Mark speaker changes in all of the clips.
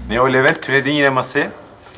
Speaker 1: Ne o Levent? Tünedin yine masaya.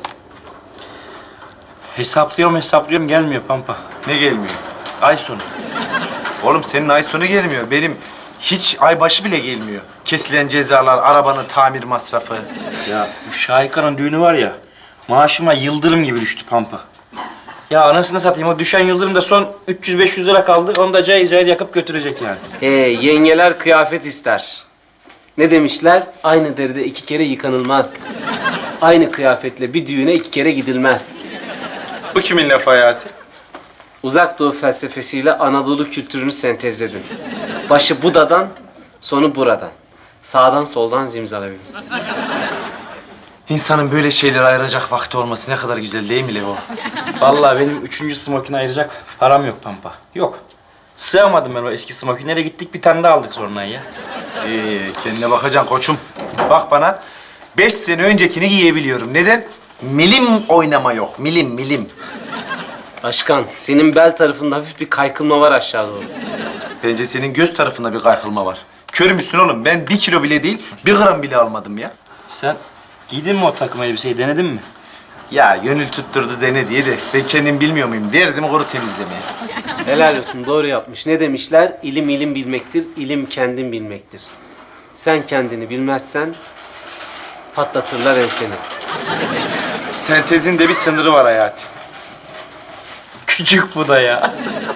Speaker 2: Hesaplıyorum gelmiyor Pampa.
Speaker 1: Ne gelmiyor?
Speaker 2: Ay sonu.
Speaker 1: Oğlum senin ay sonu gelmiyor. Benim hiç ay başı bile gelmiyor. Kesilen cezalar, arabanın tamir masrafı.
Speaker 2: Ya bu Şahika'nın düğünü var ya, maaşıma yıldırım gibi düştü Pampa. Ya anasını satayım, o düşen yıldırım da son 300-500 lira kaldı. Onu da cayır cayır yakıp götürecek yani.
Speaker 3: Yengeler kıyafet ister. Ne demişler? Aynı deride 2 kere yıkanılmaz. Aynı kıyafetle bir düğüne 2 kere gidilmez.
Speaker 1: Bu kimin lafı Hayati?
Speaker 3: Uzak Doğu felsefesiyle Anadolu kültürünü sentezledin. Başı Buda'dan, sonu buradan. Sağdan soldan zimzalavim.
Speaker 1: İnsanın böyle şeyleri ayıracak vakti olması ne kadar güzel değil mi Levo?
Speaker 2: Vallahi benim 3. smokini ayıracak param yok Pampa. Yok. Sığamadım ben o eski smokinlere, gittik bir tane daha aldık sonra ya.
Speaker 1: Kendine bakacaksın koçum. Bak bana, 5 sene öncekini giyebiliyorum. Neden? Milim oynama yok, milim.
Speaker 3: Başkan, senin bel tarafında hafif bir kaykılma var aşağı doğru.
Speaker 1: Bence senin göz tarafında bir kaykılma var. Kör müsün oğlum? Ben 1 kilo bile değil, 1 gram bile almadım ya.
Speaker 2: Sen giydin mi o takım elbiseyi, denedin mi?
Speaker 1: Ya gönül tutturdu dene diye de ben kendim bilmiyor muyum? Verdim kuru temizlemeye.
Speaker 3: Helal olsun, doğru yapmış. Ne demişler? İlim ilim bilmektir, ilim kendin bilmektir. Sen kendini bilmezsen patlatırlar enseni.
Speaker 1: Sentezin de bir sınırı var Hayati.
Speaker 2: Küçük bu da ya.